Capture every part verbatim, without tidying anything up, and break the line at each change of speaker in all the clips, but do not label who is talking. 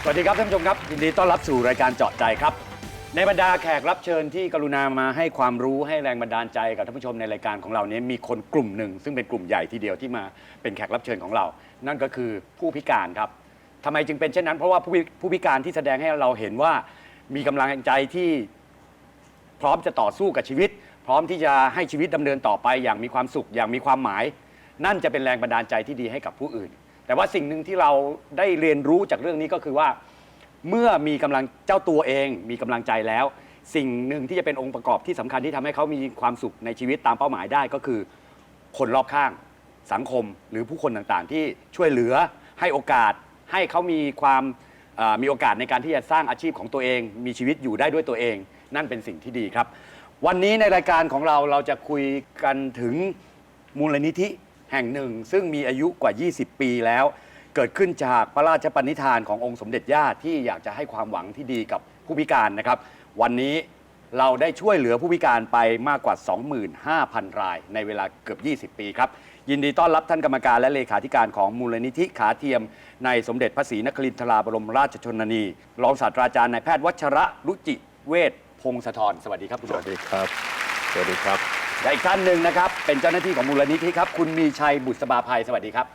สวัสดีครับท่านผู้ชมครับยินดีต้อนรับสู่รายการเจาะใจครับในบรรดาแขกรับเชิญที่กรุณามาให้ความรู้ให้แรงบันดาลใจกับท่านผู้ชมในรายการของเรานี้มีคนกลุ่มหนึ่งซึ่งเป็นกลุ่มใหญ่ทีเดียวที่มาเป็นแขกรับเชิญของเรานั่นก็คือผู้พิการครับทำไมจึงเป็นเช่นนั้นเพราะว่าผู้ผู้พิการที่แสดงให้เราเห็นว่ามีกำลังใจที่พร้อมจะต่อสู้กับชีวิตพร้อมที่จะให้ชีวิตดำเนินต่อไปอย่างมีความสุขอย่างมีความหมายนั่นจะเป็นแรงบันดาลใจที่ดีให้กับผู้อื่นแต่ว่าสิ่งหนึ่งที่เราได้เรียนรู้จากเรื่องนี้ก็คือว่าเมื่อมีกำลังเจ้าตัวเองมีกำลังใจแล้วสิ่งหนึ่งที่จะเป็นองค์ประกอบที่สำคัญที่ทำให้เขามีความสุขในชีวิตตามเป้าหมายได้ก็คือคนรอบข้างสังคมหรือผู้คนต่างๆที่ช่วยเหลือให้โอกาสให้เขามีความมีโอกาสในการที่จะสร้างอาชีพของตัวเองมีชีวิตอยู่ได้ด้วยตัวเองนั่นเป็นสิ่งที่ดีครับวันนี้ในรายการของเราเราจะคุยกันถึงมูลนิธิแห่งหนึ่งซึ่งมีอายุกว่า ยี่สิบ ปีแล้วเกิดขึ้นจากพระราชปณิธานขององค์สมเด็จย่าที่อยากจะให้ความหวังที่ดีกับผู้พิการนะครับวันนี้เราได้ช่วยเหลือผู้พิการไปมากกว่า สองหมื่นห้าพัน รายในเวลาเกือบ ยี่สิบ ปีครับยินดีต้อนรับท่านกรรมการและเลขาธิการของมูลนิธิขาเทียมในสมเด็จพระศรีนครินทราบรมราชชนนีรองศาสตราจารย์นายแพทย์วัชระรุจิเวชพงศธรสวัสดีครับคุณหมอ
สวัสดีครับสวัสดีครับ
และอีกท่านหนึ่งนะครับเป็นเจ้าหน้าที่ของมูลนิธิครับคุณมีชัยบุษบาภัยสวัสดีครับ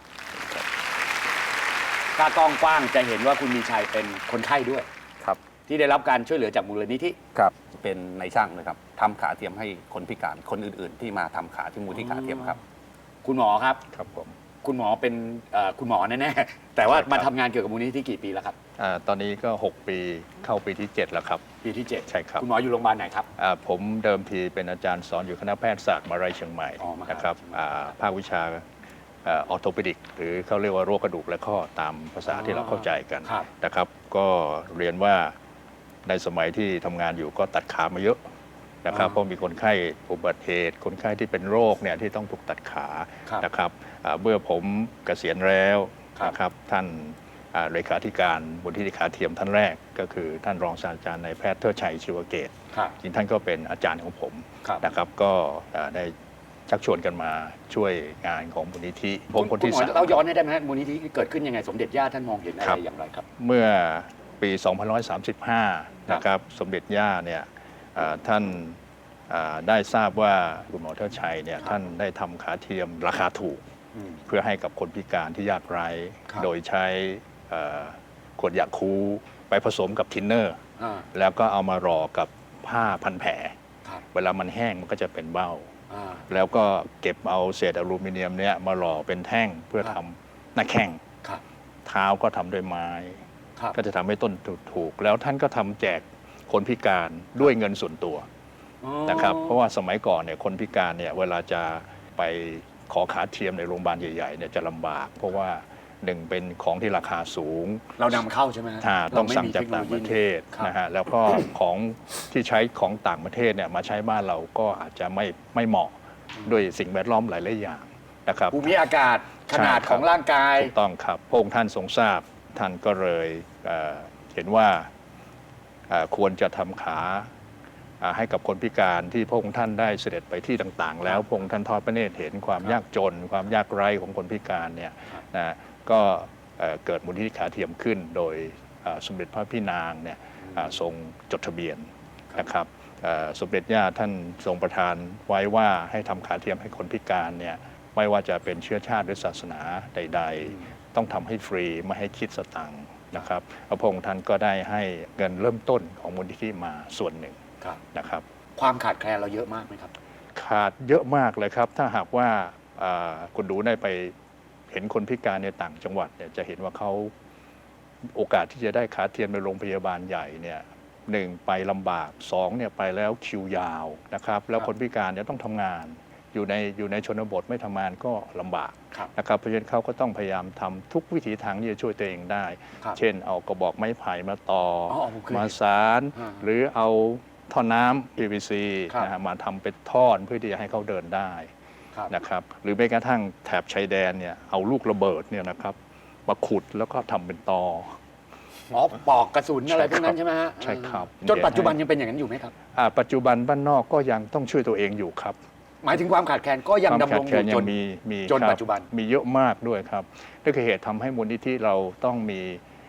ถ้ากล้องกว้างจะเห็นว่าคุณมีชัยเป็นคนไข้ด้วย
ครับ
ที่ได้รับการช่วยเหลือจากมูลนิธิ
ครับเป็นนายช่างนะครับทำขาเทียมให้คนพิการคนอื่นๆ ที่มาทำขาที่มูลที่ขาเทียมครับ
คุณหมอครับ
ครับผม
คุณหมอเป็นคุณหมอแน่ๆแต่ว่ามาทำงานเกี่ยวกับมูลนิธิกี่ปีแล้วครับ
ตอนนี้ก็หกปีเข้าปีที่เจ็ดแล้วครับ
ปีที่เจ็ด
ใช่ครับ
คุณหมออยู่โรงพยาบาลไหนครับ
ผมเดิมทีเป็นอาจารย์สอนอยู่คณะแพทยศาสตร์มหาวิทยาลัยเชียงใหม่นะครับภาควิชาออร์โทปิดิกหรือเขาเรียกว่าโรคกระดูกและข้อตามภาษาที่เราเข้าใจกันนะครับก็เรียนว่าในสมัยที่ทำงานอยู่ก็ตัดขามาเยอะนะครับเพราะมีคนไข้อุบัติเหตุคนไข้ที่เป็นโรคเนี่ยที่ต้องถูกตัดขานะครับเมื่อผมเกษียณแล้วนะครับท่านเลขาธิการมูลนิธิขาเทียมท่านแรกก็คือท่านรองศาสตราจารย์นายแพทย์เทิดชัยชีวเกตจริงท่านก็เป็นอาจารย์ของผมนะครับก็ได้ชักชวนกันมาช่วยงานของมูลนิธิผมคนที่สาม
เราย้อนให้ได้ไหมมูลนิธิเกิดขึ้นยังไงสมเด็จย่าท่านมองเห็นอะไรอย่างไรครับ
เมื่อปีสองพันหนึ่งร้อยสามสิบห้านะครับสมเด็จย่าเนี่ยท่านได้ทราบว่าคุณหมอเทิดชัยเนี่ยท่านได้ทำขาเทียมราคาถูกเพื่อให้กับคนพิการที่ยากไร้โดยใช้ขวดยาคูไปผสมกับทินเนอร์แล้วก็เอามารอกับผ้าพันแผลเวลามันแห้งมันก็จะเป็นเบ้าแล้วก็เก็บเอาเศษอลูมิเนียมเนี่ยมาหล่อเป็นแท่งเพื่อทำหน้าแข้งเท้าก็ทำด้วยไม้ก็จะทำให้ต้นถูกแล้วท่านก็ทำแจกคนพิการด้วยเงินส่วนตัวนะครับเพราะว่าสมัยก่อนเนี่ยคนพิการเนี่ยเวลาจะไปขอขาเทียมในโรงพยาบาลใหญ่ๆเนี่ยจะลำบากเพราะว่าหนึ่งเป็นของที่ราคาสูง
เรานำเข้าใช่ไหม
ต้องสั่งจากต่างประเทศนะฮะแล้วก็ของที่ใช้ของต่างประเทศเนี่ยมาใช้บ้านเราก็อาจจะไม่ไม่เหมาะด้วยสิ่งแวดล้อมหลายๆอย่างนะครับ
ภูมิอากาศขนาดของร่างกาย
ถูกต้องครับพระองค์ท่านทรงทราบท่านก็เลยเห็นว่าควรจะทำขาให้กับคนพิการที่พระองค์ท่านได้เสด็จไปที่ต่างๆแล้วพระองค์ท่านทอดพระเนตรเห็นความยากจนความยากไร้ของคนพิการเนี่ยนะก็เกิดมูลนิธิขาเทียมขึ้นโดยสมเด็จพระพี่นางเนี่ยทรงจดทะเบียนนะครับสมเด็จย่าท่านทรงประทานไว้ว่าให้ทำขาเทียมให้คนพิการเนี่ยไม่ว่าจะเป็นเชื้อชาติหรือศาสนาใดๆต้องทำให้ฟรีไม่ให้คิดสตังค์นะครับพระองค์ท่านก็ได้ให้เงินเริ่มต้นของมูลนิธิมาส่วนหนึ่งนะครับ
ความขาดแคลนเราเยอะมากไหมครับ
ขาดเยอะมากเลยครับถ้าหากว่าคุณดูได้ไปเห็นคนพิการในต่างจังหวัดเนี่ยจะเห็นว่าเขาโอกาสที่จะได้ขาเทียมในโรงพยาบาลใหญ่เนี่ยหนึ่งไปลำบากสองเนี่ยไปแล้วคิวยาวนะครับแล้วคนพิการเนี่ยต้องทำงานอยู่ในอยู่ในชนบทไม่ทำงานก็ลำบากนะครับเพราะฉะนั้นเขาก็ต้องพยายามทำทุกวิถีทางที่จะช่วยตัวเองได้เช่นเอากระบอกไม้ไผ่มาต่อมาสารหรือเอาท่อน้ำ พี วี ซี นะฮะมาทำเป็นท่อนเพื่อที่จะให้เขาเดินได้นะครับหรือแม้กระทั่งแถบชายแดนเนี่ยเอาลูกระเบิดเนี่ยนะครับมาขุดแล้วก็ทำเป็นตอ
อ๋อปอกกระสุนอะไรพวกนั้นใช่ไหมฮะ
ใช่ครับ
จนปัจจุบันยังเป็นอย่างนั้นอยู่ไหมครับ
ปัจจุบันบ้านนอกก็ยังต้องช่วยตัวเองอยู่ครับ
หมายถึงความขาดแคลนก็ยังดำรงอยู่จน
มี
จนปัจจุบัน
มีเยอะมากด้วยครับนั่นคือเหตุทำให้มูลนิธิเราต้องมี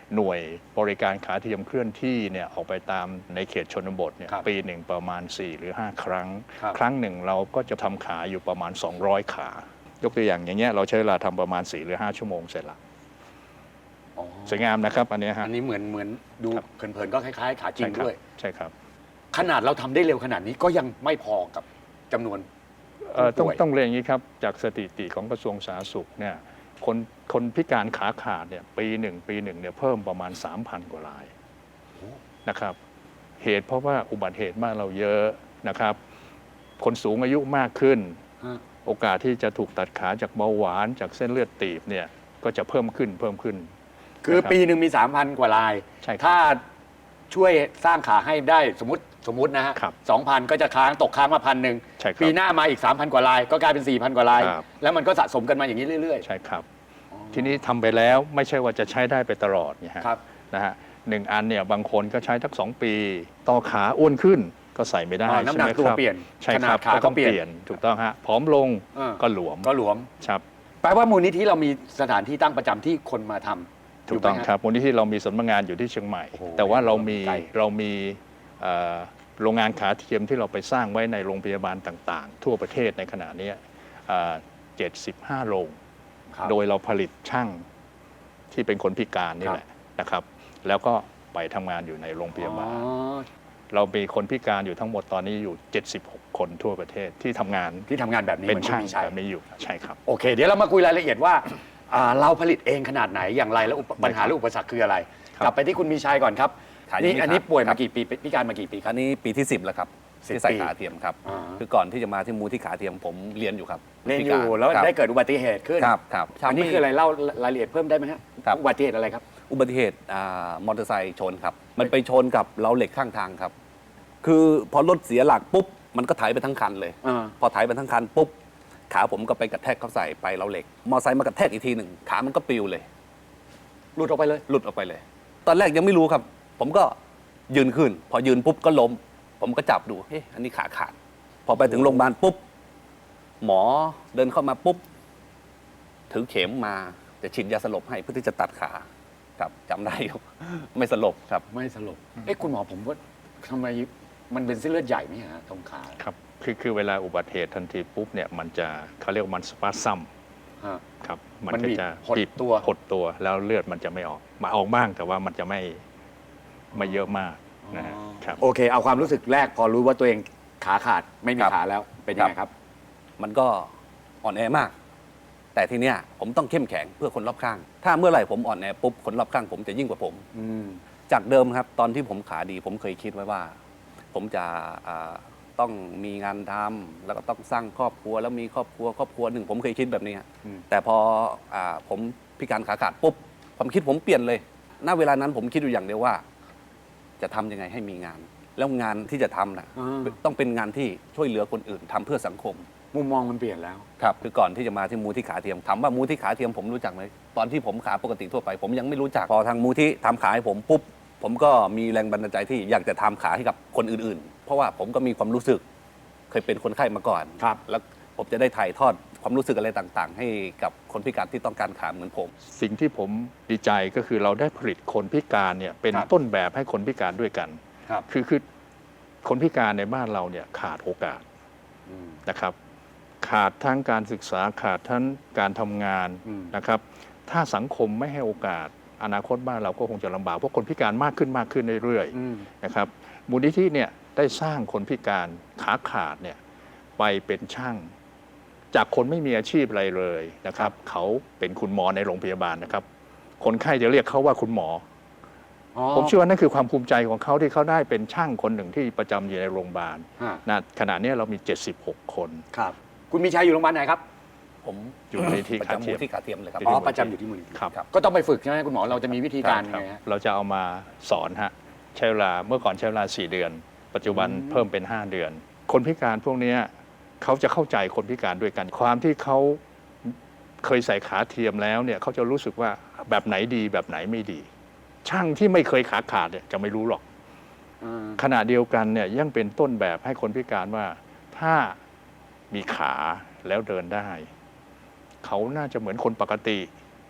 หน่วยบริการขาเทียมเคลื่อนที่เนี่ยออกไปตามในเขตชนบทเนี่ย
ครับ
ปีหนึ่งประมาณสี่หรือห้าครั้ง
ครับ
ครั้งหนึ่งเราก็จะทำขาอยู่ประมาณสองร้อยขา ยกตัวอย่างอย่างเงี้ยเราใช้เวลาทำประมาณสี่หรือห้าชั่วโมงเสร็จละ
อ๋อ
สวยงามนะครับอันเนี้ยฮะ
อันนี้เหมือนเหมือนดู
ครับ
เผินๆก็คล้ายๆขาจริง
ใช่ครับ
ด้วย
ใช่ครับ
ขนาดเราทำได้เร็วขนาดนี้ก็ยังไม่พอกับจำนวน
เอ่อต้อง
ผู้ป่วย
ต้องเรียนอย่างนี้ครับจากสถิติของกระทรวงสาธารณสุขเนี่ยคนคนพิการขาขาดเนี่ยปีหนึ่งปีหนึ่งเนี่ยเพิ่มประมาณ สามพัน กว่ารายนะครับเหตุเพราะว่าอุบัติเหตุบ้านเราเยอะนะครับ คนสูงอายุมากขึ้น
ฮะ
โอกาสที่จะถูกตัดขาจากเบาหวานจากเส้นเลือดตีบเนี่ยก็จะเพิ่มขึ้นเพิ่มขึ้น
คือ
นะครับ
ปีหนึ่งมี สามพัน กว่าลาย
ใช่ครับ
ถ้าช่วยสร้างขาให้ได้สมมติสมมตินะฮะ
ครับ
สองพันก็จะค้างตกค้างมาพันหนึ่ง
ใช่ครับ
ปีหน้ามาอีก สามพัน กว่าลาย ก็กลายเป็น สี่พัน กว่าลาย
ครับ
แล้วมันก็สะสมกันมาอย่างนี้เรื่อย
ใช่ครับ
ๆอ๋อ
ทีนี้ทำไปแล้วไม่ใช่ว่าจะใช้ได้ไปตลอดเนี่ยฮะ
ครับ
นะฮะหนึ่งอันเนี่ยบางคนก็ใช้ทักสองปี ต่อขาอ้วนขึ้นก็ใส่ไม่ได้
อ๋อน้ำหนัก
ใช่ไม
ตัว
ครับ
เปลี่ยน
ใช่
ข
ค
นา
รั
ด
บ
ขา
ก็
ก็
ต้อง
เปลี่ยน
เปลี่ยนถูกต้องฮะผอมลง
เออ
ก็หลวม
ก็หลวม
ครับ
แปลว่ามูลนิธิเรามีสถานที่ตั้งประจำที่คนมาทำ
ถูกต้อง
ยู่ไหมฮะ
ครับมูลนิธิเรามีสำนักงานอยู่ที่เชียงใหม่
โอ้โห
แต่ว่าเรามี
ไกล
เรามีเอ่อโรงงานขาเทียมที่เราไปสร้างไว้ในโรงพยาบาลต่างๆ ทั่วประเทศในขณะนี้เจ็ดสิบห้าโรง
ครับ
โดยเราผลิตช่างที่เป็นคนพิการนี่
ครับ
แหละนะครับ แล้วก็ไปทำงานอยู่ในโรงพยาบาล
อ๋อ
เรามีคนพิการอยู่ทั้งหมดตอนนี้อยู่ เจ็ดสิบหก คนทั่วประเทศที่ทำงาน
ที่ทำงานแบบนี้
เป็น
หมือ
ช่าง
คุณชัย
แบบนี้อยู่ใช่ครับ
โอเค เดี๋ยวเรามาคุยรายละเอียดว่าอ่าเราผลิตเองขนาดไหนอย่างไรแล้วอุปปัญหา
ได้ครับ
หรืออุปสรรคคืออะไร
ครับ
กลับไปที่คุณมีชัยก่อนครับ
ขายอย่างนี้
นี่อันนี้
ครับ
ป่วย
ครั
มา
บ
กี่ปีพิการมากี่ปีค
อั
รับ
นนี้ปีที่สิบแล้วครับ
สิบ
ที่ใส่
ปี
ขาเทียมครับ
อ่า
คือก่อนที่จะมาที่มูลที่ขาเทียมผมเรียนอยู่ครับ
เรียนอยู่
พิการ
แล้ว
ครับ
ได้เกิดอุบัติเหตุขึ้น
ครับครับ
อันนี้
ทำให้
คืออะไรเล่ารายละเอียดเพิ่มได้ไหมฮะ
ครับ
อุบัติเหตุอะไรครับ
อุบัติเหตุอ่ามอเตอร์ไซค์ชนครับ มันไปชนกับเล้าเหล็กข้างทางครับ คือพอรถเสียหลักปุ๊บมันก็ไถไปทั้งคันเลย
อ่า
พอไถไปทั้งคันปุ๊บขาผมก็ไปกระแทกเข้าใส่ไปเล้าเหล็ก มอเตอร์ไซค์มากระแทกอีกทีหนึ่งขามันก็ปลิวเลย
หลุดออกไปเลย
หลุดออกไปเลย ตอนแรกยังไม่รู้ครับ ผมก็ยืนขึ้น พอยืนปุ๊บก็ล้ม ผมก็จับดู เฮ้ยอันนี้ขาขาด พอไปถึงโรงพยาบาลปุ๊บ หมอเดินเข้ามาปุ๊บ ถือเข็มมาจะฉีดยาสลบให้เพื่อที่จะตัดขา ครับจำได้อยู่ ไม่สลบครับ
ไม่สลบเอ๊ะคุณหมอผมว่าทำไมมันเป็นเส้นเลือดใหญ่ไหมฮะตรงขา
ครับคือคือเวลาอุบัติเหตุทันทีปุ๊บเนี่ยมันจะเขาเรียกว่ามันสปาซัม
ฮะ
ครับมัน
มัน
ก็
บีบ
จะ
หด
บีบ
ตัว
หดตัวแล้วเลือดมันจะไม่ออกมาออกบ้างแต่ว่ามันจะไม่ไม่เยอะมากนะฮะครับ
โอเค เอาความรู้สึกแรกพอรู้ว่าตัวเองขาขาดไม่มี
ครับ
ขาแล้วเป็นยังไงครับ
มันก็อ่อนแอมาก แต่ทีเนี้ยผมต้องเข้มแข็งเพื่อคนรอบข้าง ถ้าเมื่อไหร่ผมอ่อนแอปุ๊บคนรอบข้างผมจะยิ่งกว่าผม
อืม
จากเดิมครับตอนที่ผมขาดี ผมเคยคิดไว้ว่า ผมจะอ่าต้องมีงานทำแล้วก็ต้องสร้างครอบครัวแล้วมีครอบครัวครอบครัวหนึ่งผมเคยคิดแบบนี้ฮะ
อืม
แต่พออาผมพิการขาขาดปุ๊บความคิดผมเปลี่ยนเลยณเวลานั้นผมคิดอยู่อย่างเดียวว่า จะทำยังไงให้มีงาน แล้วงานที่จะทำนะ
อ่า
ต้องเป็นงานที่ช่วยเหลือคนอื่นทำเพื่อสังคม
มุมมองมันเปลี่ยนแล้ว
ครับคือก่อนที่จะมาที่มูลที่ขาเทียมถามว่ามูลที่ขาเทียมผมรู้จักไหมตอนที่ผมขาปกติทั่วไป ผมยังไม่รู้จักพอทางมูลที่ทำขาให้ผมปุ๊บผมก็มีแรงบันดาลใจที่อยากจะทำขาให้กับคนอื่นๆ เพราะว่าผมก็มีความรู้สึก เคยเป็นคนไข้มาก่อน
ครับ
แล้วผมจะได้ถ่ายทอดความรู้สึกอะไรต่างๆ ให้กับคนพิการที่ต้องการขาเหมือนผม
สิ่งที่ผมดีใจก็คือเราได้ผลิตคนพิการเนี่ยเป็น
ครับ
ต้นแบบให้คนพิการด้วยกัน
ครับ
คือคือคนพิการในบ้านเราเนี่ยขาดโอกาส
อืม
นะครับ ขาดทั้งการศึกษาขาดทั้งการทำงาน
อืม
นะครับ ถ้าสังคมไม่ให้โอกาสอนาคตบ้านเราก็คงจะลำบากเพราะคนพิการมากขึ้นมากขึ้นเรื่อย
อืม
ๆนะครับมูลนิธิเนี่ยได้สร้างคนพิการขาขาดเนี่ยไปเป็นช่าง จากคนไม่มีอาชีพอะไรเลยนะครับ เขาเป็นคุณหมอในโรงพยาบาลนะครับ คนไข้จะเรียกเขาว่าคุณหมอ
อ๋อ
ผมเชื่อว่านั่นคือความภูมิใจของเขาที่เขาได้เป็นช่างคนหนึ่งที่ประจำอยู่ในโรงพยาบาล
ฮะ
นะขณะนี้เรามี เจ็ดสิบหก คน
ครับ คุณมีชัยอยู่โรงพยาบาลไหนครับ
ผม
อยู่ในที่
ประ
ขา
จำ
เที
มู
ย
ล
ม
ที่ขาเทียมเลยครับ
อ๋อประจำอยู่ที่มูลนิธิ
ครับ
ก็ต้องไปฝึกใช่ไหมคุณหมอเราจะมีวิธีการยัง
คบ
ไงฮะ
เราจะเอามาสอนฮะใช้เวลาเมื่อก่อนใช้เวลาสี่เดือน ปัจจุบัน
อืม
เพิ่มเป็นห้าเดือน คนพิการพวกเนี้ยเขาจะเข้าใจคนพิการด้วยกัน ความที่เขาเคยใส่ขาเทียมแล้วเนี่ยเขาจะรู้สึกว่าแบบไหนดีแบบไหนไม่ดี ช่างที่ไม่เคยขาขาดเนี่ยจะไม่รู้หรอก
อ่า
ขณะเดียวกันเนี่ยยังเป็นต้นแบบให้คนพิการว่าถ้ามีขาแล้วเดินได้ เขาน่าจะเหมือนคนปกติ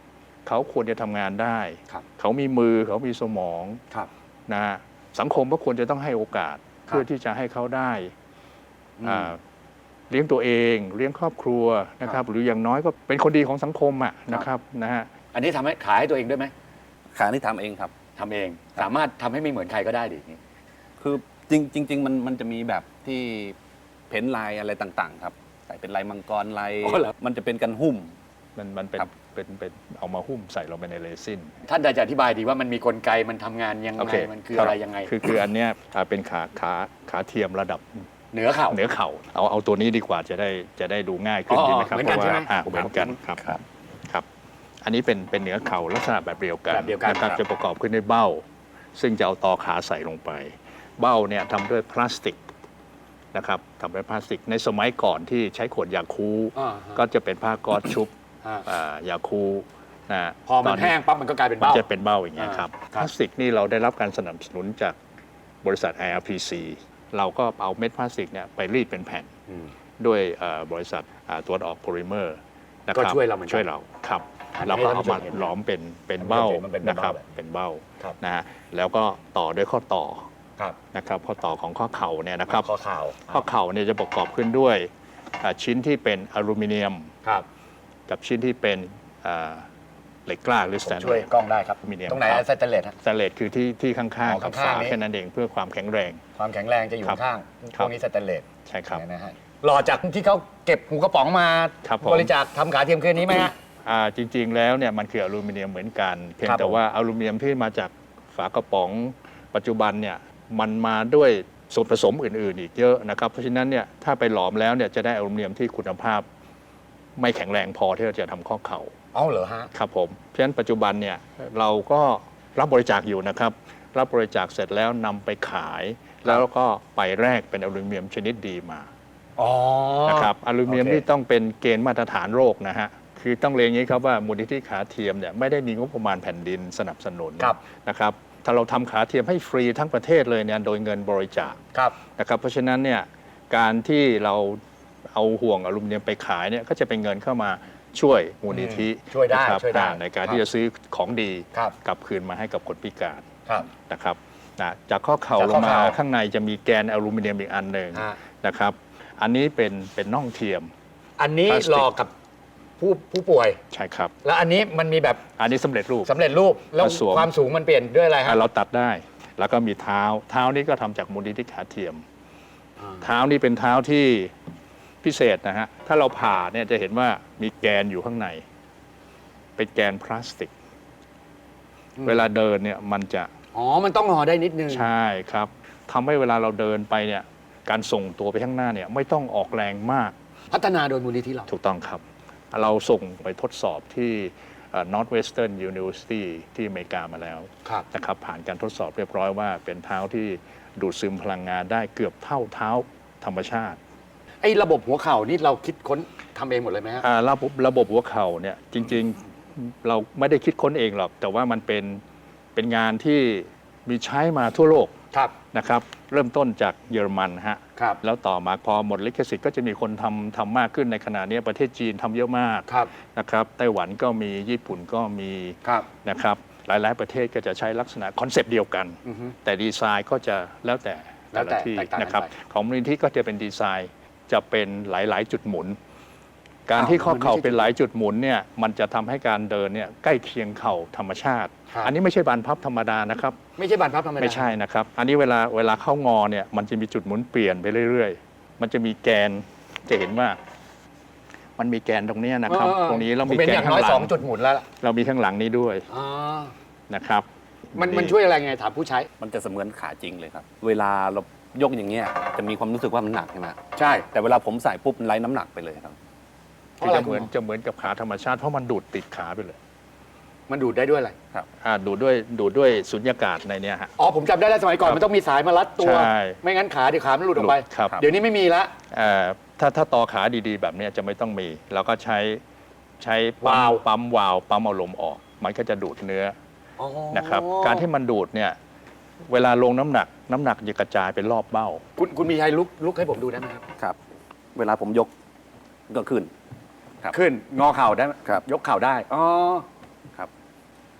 เขาควรจะทำงานได้
ครับ
เขามีมือเขามีสมอง
ครับ
นะฮะสังคมก็ควรจะต้องให้โอกาส
ครับ
เพื่อที่จะให้เขาได้
อืม
อ่าเลี้ยงตัวเองเลี้ยงครอบครัวนะค
ครั
รั
บบ
หรืออย่างน้อยก็เป็นคนดีของสังคมอ่ะนะครับนะฮะ
อันนี้ทำให้ขายให้ตัวเองด้วยไหม
ขานี่ทำเองครับ
ทำเอง สามารถทำให้ไม่เหมือนใครก็ได้ดิอย่างนี้
คือจริงจริง ๆ มันมันจะมีแบบที่เพ้นท์ลายอะไรต่างๆ ครับใส่เป็นลายมังกรลาย
อ๋อเหรอ
มันจะเป็นกันหุ้ม
มันมันเป็น
ครับ
เป็นเป็นเอามาหุ้มใส่ลงไปในเรซิน
ท่านจะอธิบายดีว่ามันมีกลไกมันทำงานยัง
โอ
ไง
เค
มันคืออะไรยังไง
คือคืออันเนี้ยอ่าเป็นขาขาขาเทียมระดับ
เหนือเข่า
เหนือเข่าเอาเอาตัวนี้ดีกว่าจะได้จะได้ดูง่ายขึ้น
อ๋อ
ดีไหมครับ
เหมือนกัน
เพราะ
ใช่ไหม
ว่าอ่าเหมือนกันครับครับ อันนี้เป็นเป็นเหนือเข่าลักษณะแบบเดียวกัน
แบบเดียวกัน
นะครับ
ครับ
จะประกอบขึ้นด้วยเบ้า ซึ่งจะเอาตอขาใส่ลงไป เบ้าเนี่ยทำด้วยพลาสติกนะครับทำด้วยพลาสติกในสมัยก่อนที่ใช้ขวดยาคู
อ่าฮะ
ก็จะเป็นผ้าก๊อซชุบ
อ่า
อ่ายาคูนะ
พอมัน
ต
แห้งปั๊บมันก็กลายเป็น
มัน
เบ้า
จะเป็นเบ้าอย่างเงี้ยครับ
อ่า
พลาสติกนี่เราได้รับการสนับสนุนจากบริษัท ไอ อาร์ พี ซี เราก็เอาเม็ดพลาสติกเนี่ยไปรีดเป็นแผ่น
อืม
ด้วยเอ่อบริษัทอ่าตรวจออกโพลิเมอร์นะครับ
ก็ช่วยเราเหมือนกัน
ช่วยเราครับ
อันนี้
เราก็เอามา
ให้ท่านผู้ชมเห็น
หลอมเป็นเป็นเบ้า
มันเป็น
นะค
เบ้า
รับ
แบบ
เป็นเบ้า
ครับ
นะฮะแล้วก็ต่อด้วยข้อต่อ
ครับ
นะครับข้อต่อของข้อเข่าเนี่ยนะครับ
ข้อข่าว
ข้อเข่าเนี่ยจะประกอบขึ้นด้วยอ่าชิ้นที่เป็นอลูมิเนียม
ครับ
กับชิ้นที่เป็นอ่าเหล็กกล้าหรือส
ผม
แตนเล
ช่วย
ส
กล้องได้ครับ
มีเดียม
ตรงไหน
ครับ
สแตนเลสฮะ
สแตนเลสคือที่ที่ข้าง
อ๋อ
ๆกับ
ข้าง
ฝา
ๆนี้
แค่นั้นเองเพื่อความแข็งแรง
ความแข็งแรงจะอยู่
ครับ
ข้าง
ค
พ
รับ
วกนี้สแตนเลส
ใช่ครับ
นะฮะหล่อจากที่เขาเก็บหูกระป๋องมา
ครับผม
บริจาคทำขาเทียมคืนนี้ไหมฮะ
อ่าจริง ๆ แล้วเนี่ยมันคืออลูมิเนียมเหมือนกัน เพียง
ครับ
แต่
ผม
ว่าอลูมิเนียมที่มาจากฝากระป๋องปัจจุบันเนี่ยมันมาด้วยส่วนผสมอื่น ๆ อีกเยอะนะครับเพราะฉะนั้นเนี่ยถ้าไปหลอมแล้วเนี่ยจะได้อลูมิเนียมที่คุณภาพ ไม่แข็งแรงพอที่จะทำข้อเข่า
เอาเหรอฮะ
ครับผมเพราะฉะนั้นปัจจุบันเนี่ยเราก็รับบริจาคอยู่นะครับ รับบริจาคเสร็จแล้วนำไปขาย แล้วก็ไปแลกเป็นอลูมิเนียมชนิดดีมา
อ๋อ
นะครับอลูมิเนียม
โอเค
นี่ต้องเป็นเกณฑ์มาตรฐานโลกนะฮะคือต้องเรียนอย่างนี้ครับว่ามูลนิธิขาเทียมเนี่ยไม่ได้มีงบประมาณแผ่นดินสนับสนุน
ครับ
นะครับถ้าเราทำขาเทียมให้ฟรีทั้งประเทศเลยเนี่ยโดยเงินบริจาค
ครับ
นะครับเพราะฉะนั้นเนี่ยการที่เราเอาห่วงอลูมิเนียมไปขายเนี่ยก็จะเป็นเงินเข้ามาช่วยมูลนิธิ
อืมช่วยได้
นะครับ
ช่วยได้
อ่าในการ
ครับ
ที่จะซื้อของดี
ครับ
กลับคืนมาให้กับคนพิการ
ครับ
นะครับนะจากข้อเข่า
จาก
ล
ข้อง
มา
เข่า
ข้างในจะมีแกนอลูมิเนียมอีกอันหนึ่ง
ฮะ
นะครับอันนี้เป็นเป็นน่องเทียม
อันนี้
พลาสติก
หลอกกับผู้ผู้ป่วย
ใช่ครับ
แล้วอันนี้มันมีแบบ
อันนี้สำเร็จรูป
สำเร็จรูป แล้ว
มาสวม
ความสูงมันเปลี่ยนด้วยอะไรฮะ
อ่ะเราตัดได้ แล้วก็มีเท้า เท้านี้ก็ทำจากมูลนิธิขาเทียม เท้านี่เป็นเท้าที่พิเศษนะฮะ ถ้าเราผ่าเนี่ยจะเห็นว่ามีแกนอยู่ข้างใน เป็นแกนพลาสติก
อืม
เวลาเดินเนี่ยมันจะ
อ๋อ มันต้องห่อได้นิดนึง
ใช่ครับทำให้เวลาเราเดินไปเนี่ยการส่งตัวไปข้างหน้าเนี่ยไม่ต้องออกแรงมาก
พัฒนาโดยมูลนิธิเรา
ถูกต้องครับ เราส่งไปทดสอบที่เอ่อ Northwestern University ที่อเมริกามาแล้ว
ครับ
นะครับผ่านการทดสอบเรียบร้อยว่าเป็นเท้าที่ดูดซึมพลังงานได้เกือบเท่าเท้าธรรมชาติ
ไอ้ระบบหัวเข่านี่เราคิดค้นทำเองหมดเลยไหมฮะ
อ่าระบบระบบหัวเข่าเนี่ยจริงๆเราไม่ได้คิดค้นเองหรอก แต่ว่ามันเป็นเป็นงานที่มีใช้มาทั่วโลก
ครับ
นะครับเริ่มต้นจากเยอรมันฮะ
ครับ
แล้วต่อมาพอหมดลิขสิทธิ์ก็จะมีคนทำทำมากขึ้นในขณะนี้ประเทศจีนทำเยอะมาก
ครับ
นะครับไต้หวันก็มีญี่ปุ่นก็มี
ครับ
นะครับหลายๆประเทศก็จะใช้ลักษณะคอนเซปต์เดียวกัน
อือฮึ
แต่ดีไซน์ก็จะแล้วแต่
แล้วแต่
ละที่
แตกต่างกัน
นะครับ
ไป
ของมูลนิธิก็จะเป็นดีไซน์จะเป็นหลาย ๆ จุดหมุน การ
อ้าว
ที่ข้อเข่า
มันไม่ใช่
เป็นหลายจุดหมุนเนี่ยมันจะทำให้การเดินเนี่ยใกล้เคียงเข่าธรรมชาติ
ครับ
อันนี้ไม่ใช่บานพับธรรมดานะครับ
ไม่ใช่บานพับธรรมดา
ไม่ใช่นะครับ อันนี้เวลาเวลาเข้างอเนี่ยมันจะมีจุดหมุนเปลี่ยนไปเรื่อย ๆ มันจะมีแกนจะเห็นว่า มันมีแกนตรงเนี้ยนะครับ
เออ
ตรงนี้เรา
ผ
มี
เป็น
แก
อน ย่าง
ข้า
น้อย
งหลั
สอง งจุดหมุนแล้วล่ะ
เรามีข้างหลังนี้ด้วย
อ๋อ
นะครับ
มันมันช่วยอะไรไงถามผู้ใช้
มันจะเสมือนขาจริงเลยครับ เวลาเรายกอย่างเงี้ยจะมีความรู้สึกว่ามันหนักใช่ไหม
ใช่
แต่เวลาผมใส่ปุ๊บมันไร้น้ำหนักไปเลยครับ
เพ
คื
ราะ
อ
อะไร
จะเหมือนจะเหมือนกับขาธรรมชาติเพราะมันดูดติดขาไปเลย
มันดูดได้ด้วยอะไร
อ่าดูดด้วยดูดด้วยสุญญากาศในเนี้ยฮะ
อ๋อผมจำได้แล้วสมัยก่อน
ครับ
มันต้องมีสายมารัดตัว
ใช่
ไม่งั้นขาเดี๋ยวขามันหลุดออกไป
หลุดครับ
เดี๋ยวนี้ไม่มีละ
เอ่อถ้าถ้าต่อขาดีๆ แบบเนี้ยจะไม่ต้องมี เราก็ใช้ใช้ปั๊ม
วาล์ว
ปั๊มวาล์วปั๊มเอาลมออก มันก็จะดูดเนื้อ
อ๋อ
นะครับการที่มันดูดเนี่ยเวลาลงน้ำหนักน้ำหนักจะกระจายไปรอบเบ้า
คุณคุณมีชัยลุกลุกให้ผมดูได้ไหมครับ
ครับ เวลาผมยกก็ขึ้น ครับ
ขึ้นงอเข่าได้ไหม
ครับ
ยกเข่าได้อ๋อ
ครับ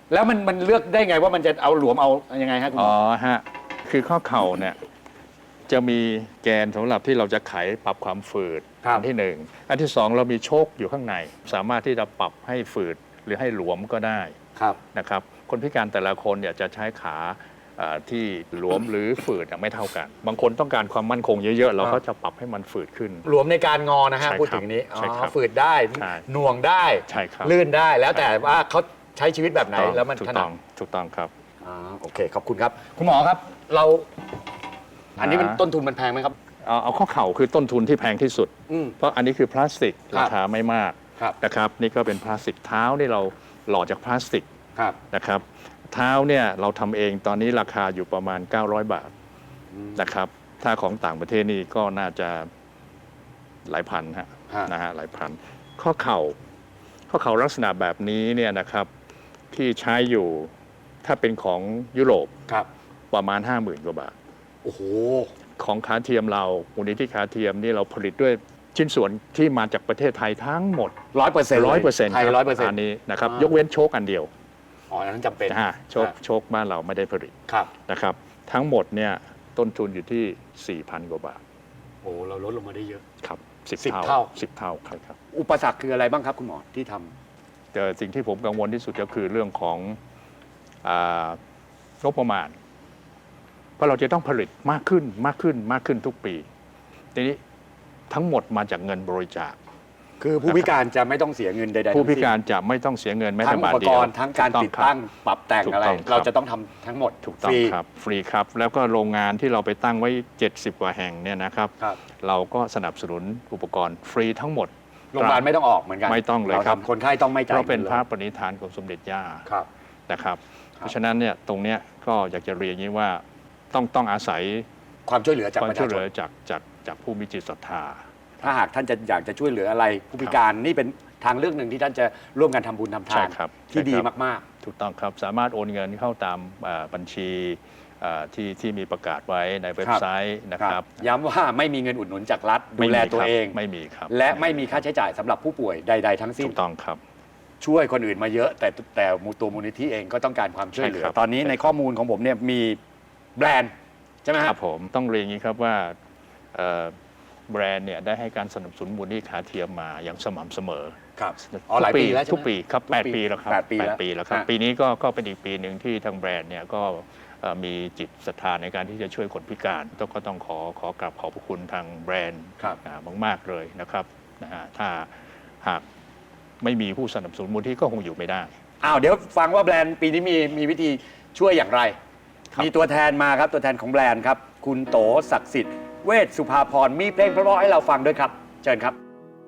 แล้วมันมันเลือกได้ไงว่ามันจะเอาหลวมเอายังไงฮะคุณห
อ๋
ม
อ
อ
ฮะคือข้อเข่าเนี่ยจะมีแกนสำหรับที่เราจะไขปรับความฝืด
ครับ
อันที่หนึ่งอันที่สองเรามีโชคอยู่ข้างใน สามารถที่จะปรับให้ฝืดหรือให้หลวมก็ได้
ครับ
นะครับคนพิการแต่ละคนเนี่ยจะใช้ขาเอ่อที่หลวมหรือฝืดเนี่ยไม่เท่ากัน บางคนต้องการความมั่นคงเยอะๆ เราก็จะปรับให้มันฝืดขึ้น
หลวมในการงอนะฮะ
ใช่ครับ
พูดถึงนี้อ๋
ใช่ครั
อบ ฝืดได้
ใช่
หน่วงได้
ใช่ครับ
ลื่นได้แล้วแต่ว่าเขาใช้ชีวิตแบบไหนแล้วมัน
ถู
ถ
ก
นั
ต้
ด
องถูกต้องครับ
อ่าโอเคขอบคุณครับ คุณหมอครับ เรา อันนี้มัน
อ่า
ต้นทุนมันแพงไหมครับ
เอาเอาข้อเข่าคือต้นทุนที่แพงที่สุด
อืม
เพราะอันนี้คือพลาสติก
ครับ
ราคาไม่มาก
ครับ
นะครับนี่ก็เป็นพลาสติกเท้านี่เราหล่อจากพลาสติก
ครับ
นะครับเท้าเนี่ยเราทำเองตอนนี้ราคาอยู่ประมาณ เก้าร้อย บาทนะครับถ้าของต่างประเทศนี่ก็น่าจะหลายพันฮะ
ฮะ
นะฮะหลายพันข้อเข่าข้อเข่าลักษณะแบบนี้เนี่ยนะครับที่ใช้อยู่ถ้าเป็นของยุโรป
ครับ
ประมาณ ห้าหมื่น กว่าบาท
โอ้โห
ของขาเทียมเรามูลนิธิขาเทียมนี่เราผลิตด้วยชิ้นส่วนที่มาจากประเทศไทยทั้งหมด
ร้อยเปอร์เซ็นต์
ร้อยเปอร์เซ็นต์
ไทยร้อยเปอร์เซ็น
อั
ต์
นนี้นะครับ
อ่าย ย
กเว้นโชคอันเดียว
อ๋ออันนั้นจำเป็น
นะฮะโชคโชคบ้านเราไม่ได้ผลิต
ครับ
นะครับทั้งหมดเนี่ยต้นทุนอยู่ที่ สี่พัน กว่าบาท
โอ้เราลดลงมาได้เยอะ
ครับสิบ
สิบ
เท่า
เท่า
สิบเท่าครับครับ
อุปสรรคคืออะไรบ้างครับคุณหมอที่ทำ
แต่สิ่งที่ผมกังวลที่สุดก็คือเรื่องของอางบประมาณ เพราะเราจะต้องผลิตมากขึ้นมากขึ้นมากขึ้นทุกปีทีนี้ทั้งหมดมาจากเงินบริจาค
คือผู้พิการจะไม่ต้องเสียเงินใดๆ
ผู้พิ
ทั้งสิ้น
การจะไม่ต้องเสียเงินแม้
ทั้
แต่
งอุ
บาท
ป
เดี
ก
ยว
รณ์ทั้งการ
ถู
ติด
คบ
ตั้งปรับแต่ง
ถูก
อะไร
ต้องครับ
เราจะต้องทำทั้งหมด
ถูกต้อง
ฟรี
ครับฟรีครับ แล้วก็โรงงานที่เราไปตั้งไว้ เจ็ดสิบ กว่าแห่งเนี่ยนะครับ
ครับ
เราก็สนับสนุนอุปกรณ์ฟรีทั้งหมด
โรงพยาบาลไม่ต้องออกเหมือนกัน
ไม่ต้องเลยครับ
าทำคนไข้ต้องไม่จ่าย
เพราะเป็น
งิลย
พระปณิธานของสมเด็จย่า
ครับ
นะครับ เพราะฉะนั้นเนี่ยตรงเนี้ยก็อยากจะเรียนอย่างนี้ว่าต้องต้องอาศัย
ความช่วยเหลือจาก
ความ
ประ
ช่
ชา
วยเห
ช
ลือน จากจากจากผู้มีจิตศรัทธา
ถ้าหากท่านจะอยากจะช่วยเหลืออะไร ผู้พิการนี่เป็นทางเลือกหนึ่งที่ท่านจะร่วมกันทำบุญทำทา
ใช่
น
ครับ
ที่ดี
ใช่ครับ
มาก
ถูกต้องครับสามารถโอนเงินเข้าตามอ่าบัญชีอ่าที่ที่มีประกาศไว้ในเว็บไซต์นะ
ๆ ค
ค
รั
รั
บบ ย้ำว่าไม่มีเงินอุดหนุนจากรัฐดู
ไม่มี
แลตัว
ครับ
เอง
ไม่มีครับ
และไม่มีค่าใช้จ่ายสำหรับผู้ป่วยใด ๆ ทั้งสิ้น
ถูกต้องครับ
ช่วยคนอื่นมาเยอะ แต่แต่ตัวมูลนิธิเองก็ต้องการความช่วยเหลือ
ใช่ครับ
ตอนนี้
ใช่
ในข้อมูลของผมเนี่ยมีแบรนด์ใช่ไหม
ค
ค
รั
รั
บบ ผมต้องเรียนอย่างนี้ครับว่าเอ่อแบรนด์เนี่ยได้ให้การสนับสนุนมูลนิธิขาเทียมมาอย่างสม่ำเสมอ
ครับอ๋อหลายปีแล้วใช่ไหม
ทุกปีครับ
ทุก
แปด
ปี
ปีแล้วครับ
แปดปีแล้ว
ปีแล้วครับ
ฮะ
ปีนี้ก็ก็เป็นอีกปีหนึ่งที่ทางแบรนด์เนี่ยก็เอ่อมีจิตศรัทธาในการที่จะช่วยคนพิการต้องก็ต้องขอขอกราบขอบพระคุณทางแบรนด์
ครับ
อ่ามาก ๆ เลยนะครับนะฮะถ้าหากไม่มีผู้สนับสนุนมูลที่ก็คงอยู่ไม่ได้
อ้าวเดี๋ยวฟังว่าแบรนด์ปีนี้มีมีวิธีช่วยอย่างไร
ครับ
มีตัวแทนมาครับตัวแทนของแบรนด์ครับ คุณโตศักดิ์สิทธิ์เวชสุภาพรมีเพลงเพราะๆให้เราฟังด้วยครับ เชิญครับ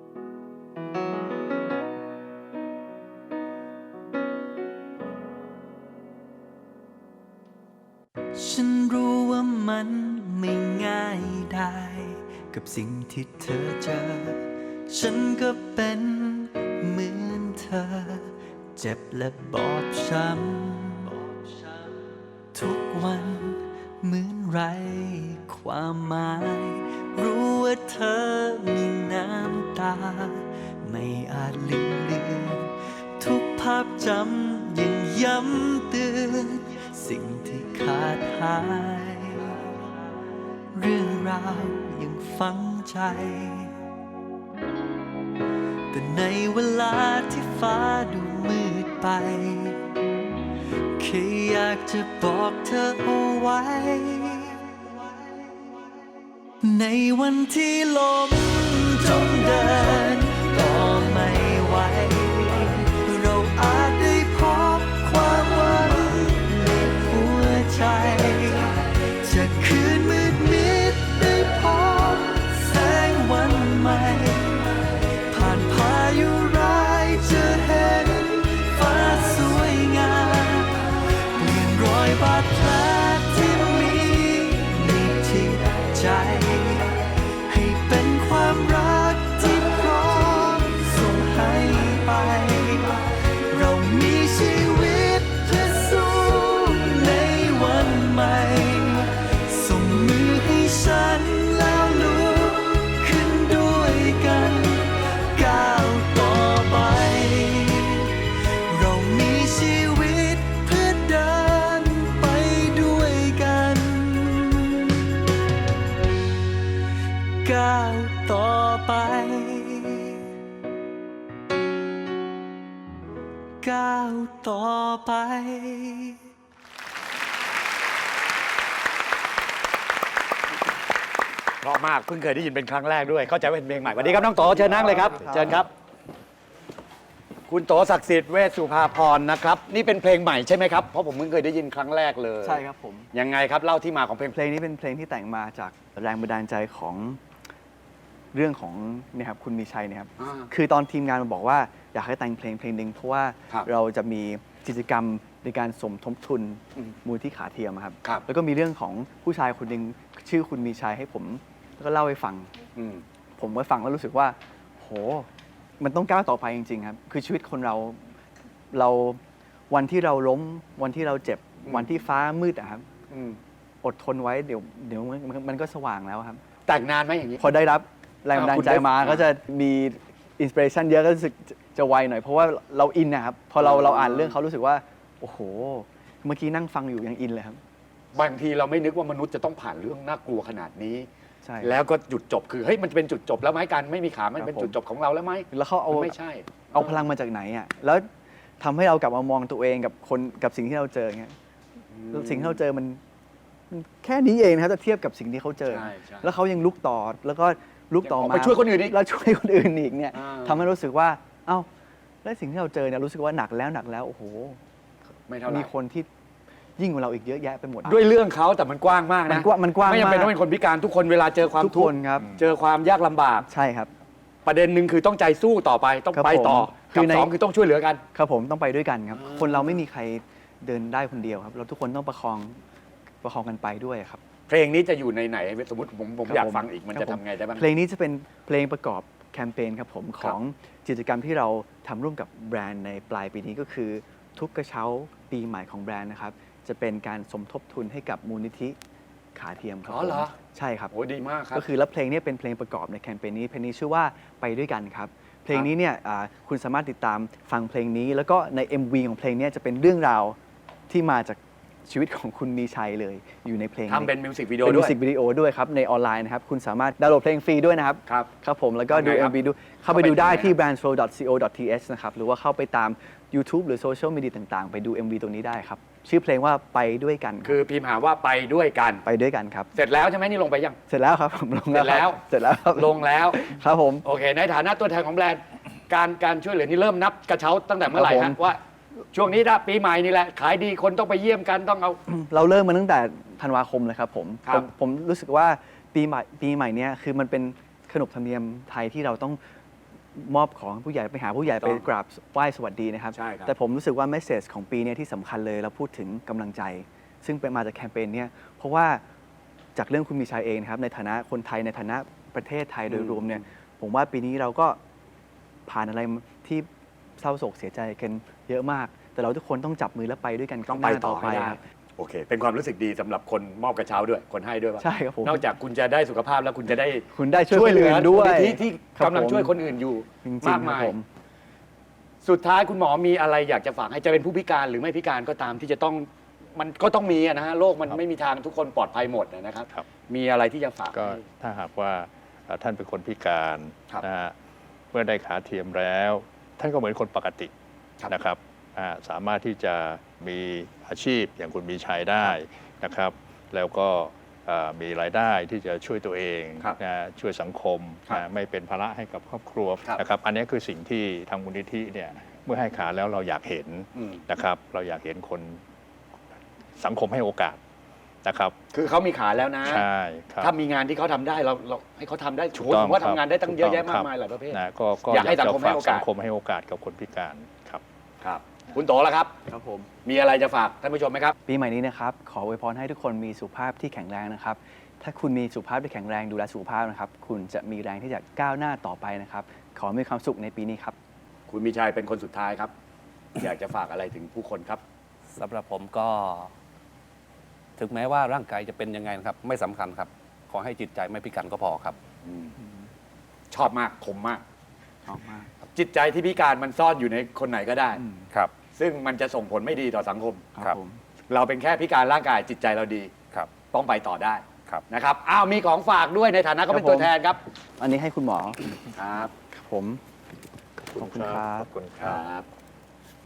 ฉันรู้ว่ามันไม่ง่ายได้กับสิ่งที่เธอเจอ ฉันก็เป็นเหมือนเธอ เจ็บและบอบช้ำทุกวันเหมือนไรความหมาย รู้ว่าเธอมีน้ำตา ไม่อาจลืมเลือนทุกภาพจำยังย้ำเตือนสิ่งที่ขาดหาย เรื่องราวยังฝังใจ แต่ในเวลาที่ฟ้าดูมืดไปแค่อยากจะบอกเธอเอาไว้ ในวันที่ลมจมเดินก็ไม่ไหว เราอาจได้พบความหวังในหัวใจ จะคืนมืดมิดได้พบแสงวันใหม่ ผ่านพายุร้ายจะเห็นฟ้าสวยงามเปลี่ยนรอยบาดแผลที่มีในจิตใจ ให้เป็นความก้าวต่อไป
เพราะมากเพิ่งเคยได้ยินเป็นครั้งแรกด้วย เข้าใจว่าเป็นเพลงใหม่สวัสดีครับน้องโตเชิญนั่งเลยครับเชิญครับ คุณโตศักดิ์สิทธิ์เวชสุภาพรนะครับ นี่เป็นเพลงใหม่ใช่ไหมครับเพราะผมเพิ่งเคยได้ยินครั้งแรกเลย
ใช่ครับผม
ยังไงครับเล่าที่มาของเพลง
เพลงนี้เป็นเพลงที่แต่งมาจากแรงบันดาลใจของเรื่องของเนี่ยครับคุณมีชัยเนี่ยครับ
อ่า
คือตอนทีมงานมาบอกว่าอยากให้แต่งเพลงเพลงหนึ่งเพราะว่า
ครับ
เราจะมีกิจกรรมในการสมทบทุน
อืม
มูลที่ขาเทียมครับ
ครับ
แล้วก็มีเรื่องของผู้ชายคนหนึ่งชื่อคุณมีชัยให้ผมแล้วก็เล่าให้ฟัง
อืม
ผมก็ฟังแล้วรู้สึกว่า โห มันต้องก้าวต่อไปจริงๆครับ คือชีวิตคนเรา เรา วันที่เราล้ม วันที่เราเจ็บ
อืม
วันที่ฟ้ามืดอะครับ
อืม
อดทนไว้ เดี๋ยว เดี๋ยวมันมันมันก็สว่างแล้วครับ
แต่งนานไหมอย่างนี้
พอได้รับแรงบันดาลใจ
อ่าคุณได้
มา ก็จะมีอินสปิเรชันเยอะ ก็รู้สึกจะจะไวหน่อย เพราะว่าเราอินนะครับ พอเรา
อ่า
เราอ่านเรื่องเขารู้สึกว่า โอ้โห เมื่อกี้นั่งฟังอยู่ยังอินเลยครับ
บางทีเราไม่นึกว่ามนุษย์จะต้องผ่านเรื่องน่ากลัวขนาดนี้
ใช่
แล้วก็จุดจบคือเฮ้ยมันจะเป็นจุดจบแล้วไหมการไม่มีขามัน
ครับ
เป็น
ผม
จุดจบของเราแล้วไหม
แล้วเขาเอา
มันไม่ใช่
เอาพลังมาจากไหนอ่ะ แล้วทำให้เรากลับมามองตัวเองกับคนกับสิ่งที่เราเจอเงี้ย แล้วสิ่งที่เราเจอมันมันแค่นี้เองนะครับถ้าเทียบกับสิ่งที่เขาเจอ
ใช่ใช่
แล้วเขายังลุกต่อแล้วก็ลุกต่อ
ยังออก
มา
ไปช่วยคนอื่นอีก
แล้วช่วยคนอื่นอีกเนี่ย
อ่า
ทำให้รู้สึกว่า เอ้าแล้วสิ่งที่เราเจอเนี่ยรู้สึกว่าหนักแล้วหนักแล้วโอ้โห
ไม่เท่าไหร่
มีคนที่ยิ่งกว่าเราอีกเยอะแยะไปหมด
ด้วยเรื่องเขาแต่มันกว้างมาก
มั
นะ
นกว้างมันกว้าง
ไม่จำเป็น
มาก
ต้องเป็นคนพิการทุกคนเวลาเจอความ
ทุก
ทุ
ค
ก
น
ข์
ครับ
เจอความยากลำบาก
ใช่ครับ
ประเด็นหนึ่งคือต้องใจสู้ต่อไปต้อง
ครับ
ไปต่อ
ผมคื
กับ
อใน
สองคือต้องช่วยเหลือกัน
ครับผมต้องไปด้วยกันครับ
อ่า
คนเราไม่มีใครเดินได้คนเดียวครับ เราทุกคนต้องประคองประคองกันไปด้วยครับ
เพลงนี้จะอยู่ในไหนสมมติผมผม
ครับ
อยาก
ผม
ฟังอีกมัน
ครั
จะ
บผม
ทำไงได้บ้าง
เพลงนี้จะเป็นเพลงประกอบแคมเปญครับผมของกิจกรรมที่เราทำร่วมกับแบรนด์ในปลายปีนี้ก็คือ ทุกกระเช้าปีใหม่ของแบรนด์นะครับ จะเป็นการสมทบทุนให้กับมูลนิธิขาเทียมครับ
อ๋อเหรอ
ผมใช่ครับ
โอ้ดีมากครับ
ก็คือแล้วเพลงนี้เป็นเพลงประกอบในแคมเปญนี้เพลงนี้ชื่อว่าไปด้วยกันครับ เพลงนี้เนี่ยอ่าคุณสามารถติดตามฟังเพลงนี้ แล้วก็ใน เอ็ม วี ของเพลงเนี้จะเป็นเรื่องราวที่มาจากชีวิตของคุณมีชัยเลยอยู่ในเพลง
ทำเป็นมิวสิกวิดีโอ
เป็น
ด้
มิ
ว
วย สิกวิดีโอด้วยครับ ในออนไลน์นะครับ คุณสามารถดาวน์โหลดเพลงฟรีด้วยนะครับ
ครับ
ครับผมแล้วก็ดู
ทำไงครับ
เอ็ม วี ดูเข้าไปดูได้
เข้าไปที่
ที่
ไหน
แบรนด์ โฟร์ ดอท ซี โอ ดอท ที เอช นะครับ หรือว่าเข้าไปตาม YouTube หรือโซเชียลมีเดียต่างๆ ไปดู เอ็ม วี ตรงนี้ได้ครับ ชื่อเพลงว่าไปด้วยกันรับ
คือพิมพ์หาว่าไปด้วยกัน
ไปด้วยกันครับ
เสร็จแล้วใช่ไหมนี่ลงไปยัง
เสร็จแล้วครับผมลง
เสร็จแล้ว
ครับเสร็จแล้วครับ
ลงแล้ว
ครับผม
โอเค ในฐานะตัวแทนของแบรนด์ การการช่วยเหลือนี่เริ่มนับกระเช้าตั้งแต่เมื่อไหร่
ครับ
ฮะ
ผม
ว่า ช่วงนี้นะปีใหม่นี่แหละ ขายดีคนต้องไปเยี่ยมกันต้องเอา
เราเริ่มมาตั้งแต่ธันวาคมเลยครับผม
ครับ
ผมผมรู้สึกว่าปีใหม่ปีใหม่เนี้ยคือมันเป็นขนบธรรมเนียมไทยที่เราต้องมอบของผู้ใหญ่ไปหาผู้ใหญ่ไปกราบไหว้สวัสดีนะครับ
ใช่ครับ
แต่ผมรู้สึกว่าเมสเซจของปีเนี้ยที่สำคัญเลยเราพูดถึงกำลังใจ ซึ่งเป็นมาจากแคมเปญเนี้ยเพราะว่าจากเรื่องคุณมีชัยเองนะครับในฐานะคนไทยในฐานะประเทศไทยโดยรวมเนี่ยผมว่าปีนี้เราก็ผ่านอะไรที่เศร้าโศกเสียใจกันเยอะมาก แต่เราทุกคนต้องจับมือและไปด้วยกัน
ต้องไป
ข้างหน้า
ต่อให้ได้
ครับ
โอเค เป็นความรู้สึกดีสำหรับคนมอบกระเช้าด้วย คนให้ด้วยว่า
ใช่ครับผม
นอกจากคุณจะได้สุขภาพแล้วคุณจะได้
คุณได้ช่วยคนอื่นด้วย
มูลนิธิที่
ครับ
กำลัง
ผม
ช่วยคนอื่นอยู่
จริงๆ
มาก
ครั
มา
บ
ย
ผม
สุดท้ายคุณหมอมีอะไรอยากจะฝากให้จะเป็นผู้พิการหรือไม่พิการก็ตามที่จะต้องมันก็ต้องมีอะนะฮะโลกมันไม่มีทางทุกคนปลอดภัยหมดนะครับ
ครับ
มีอะไรที่จะฝาก
ก็
ให้
ถ้าหากว่าเอ่อท่านเป็นคนพิการ
ครับ
นะฮะเมื่อได้ขาเทียมแล้ว ท่านก็เหมือนคนปกติ
ครับ
นะครับอ่าสามารถที่จะมีอาชีพอย่างคุณมีชัยได้นะครับ แล้วก็เอ่อมีรายได้ที่จะช่วยตัวเอง
ครับ
นะช่วยสังคม
ครับ
นะไม่เป็นภาระให้กับครอบครัว
ครับ
นะครับ อันนี้คือสิ่งที่ทางมูลนิธิเนี่ยเมื่อให้ขาแล้วเราอยากเห็น
อืม
นะครับ เราอยากเห็นคนสังคมให้โอกาสนะครับ
คือเขามีขาแล้วนะ
ใช่ครับ
ถ้ามีงานที่เขาทำได้เราเราให้เขาทำได้
ถู
โอ้
ก
โห
ต้อง
ผมว่า
ครั
ทำ
บ
งานได้ตั้ง
ถูก
เยอะแยะ
ต้อง
มาก
ครับ
มายหลายประเภท
นะก็ก็
อยากให้สังคมให้
จะฝ
โอกาส
สังคมให้โอกาสกับคนพิการครับ
ครับ คุณโตแล้วครับ
ครับผม
มีอะไรจะฝากท่านผู้ชมไหมครับ
ปีใหม่นี้นะครับขออวยพรให้ทุกคนมีสุขภาพที่แข็งแรงนะครับ ถ้าคุณมีสุขภาพที่แข็งแรงดูแลสุขภาพนะครับ คุณจะมีแรงที่จะก้าวหน้าต่อไปนะครับ ขอมีความสุขในปีนี้ครับ
คุณมีชัยเป็นคนสุดท้ายครับ อยากจะฝากอะไรถึงผู้คนครับ
สำหรับผมก็ ถึงแม้ว่าร่างกายจะเป็นยังไงนะครับ ไม่สำคัญครับ ขอให้จิตใจไม่พิการก็พอครับ
ชอบมากคมมาก
ชอบมาก
จิตใจที่พิการมันซ่อนอยู่ในคนไหนก็ได้
ครับ
ซึ่งมันจะส่งผลไม่ดีต่อสังคม
ครับ
ผม
เราเป็นแค่พิการร่างกายจิตใจเราดี
ครับ
ต้องไปต่อได้
ครับ
นะครับอ้าวมีของฝากด้วยในฐานะก็เป็น
ครับผม
ตัวแทนครับ
อันนี้ให้คุณหมอ
ครับ
ครับผม ขอบคุณครับ
ขอบคุณค
ครับ รับ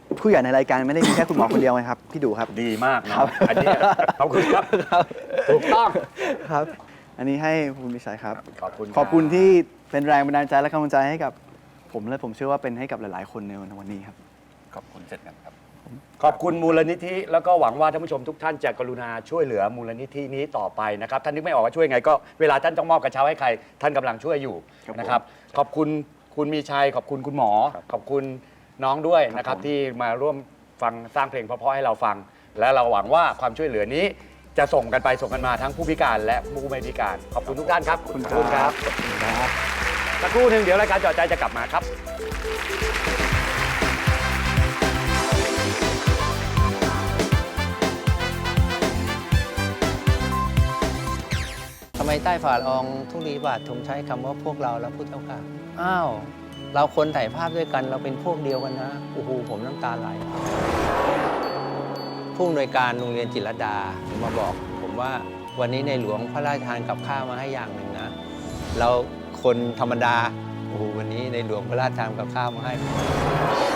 ผู้ใหญ่ในรายการไม่ได้มีแค่คุณหมอคนเดียวไงครับพี่ดูครับ
ดีมากนะอันนี้ขอบคุณครับถูกต้อง
ครับ อันนี้ให้คุณมิชัยครับ
ขอบคุณ
ขอบคุณที่เป็นแรงบันดาลใจและกำลังใจให้กับผมและผมเชื่อว่าเป็นให้กับหลาย ๆ คนในวันนี้ครับ
ขอบคุณเช่นกันครับ
ขอบคุณมูลนิธิแล้วก็หวังว่าท่านผู้ชมทุกท่านจะกรุณาช่วยเหลือมูลนิธินี้ต่อไปนะครับท่านนึกไม่ออกว่าช่วยไงก็เวลาท่านต้องมอบกระเช้าให้ใครท่านกำลังช่วยอยู่
ครับผม
นะครับขอบคุณคุณมีชัยขอบคุณคุณหมอ ขอบคุณน้องด้วยนะครับ
ผม
ที่มาร่วมฟังสร้างเพลงเพราะๆให้เราฟัง และเราหวังว่าความช่วยเหลือนี้จะส่งกันไปส่งกันมาทั้งผู้พิการและผู้ไม่พิการขอบคุณทุกท่านครับ
ขอบคุณ
ขอบคุณครับ
ขอบคุณครับ
สักครู่หนึ่งเดี๋ยวรายการเจาะใจจะกลับมาครับ
ทำไมใต้ฝ่าละอองธุลีบาทธงใช้คำว่าพวกเราแล้วพุทธเจ้าค่ะ อ้าว เราคนถ่ายภาพด้วยกันเราเป็นพวกเดียวกันนะ โอ้โห ผมน้ำตาไหล ผู้อำนวยการโรงเรียนจิตรลดามาบอก ผมว่าวันนี้ในหลวงพระราชทานกับข้าวมาให้อย่างหนึ่งนะ เราคนธรรมดา โอ้โห วันนี้ในหลวงพระราชทานกับข้าวมาให้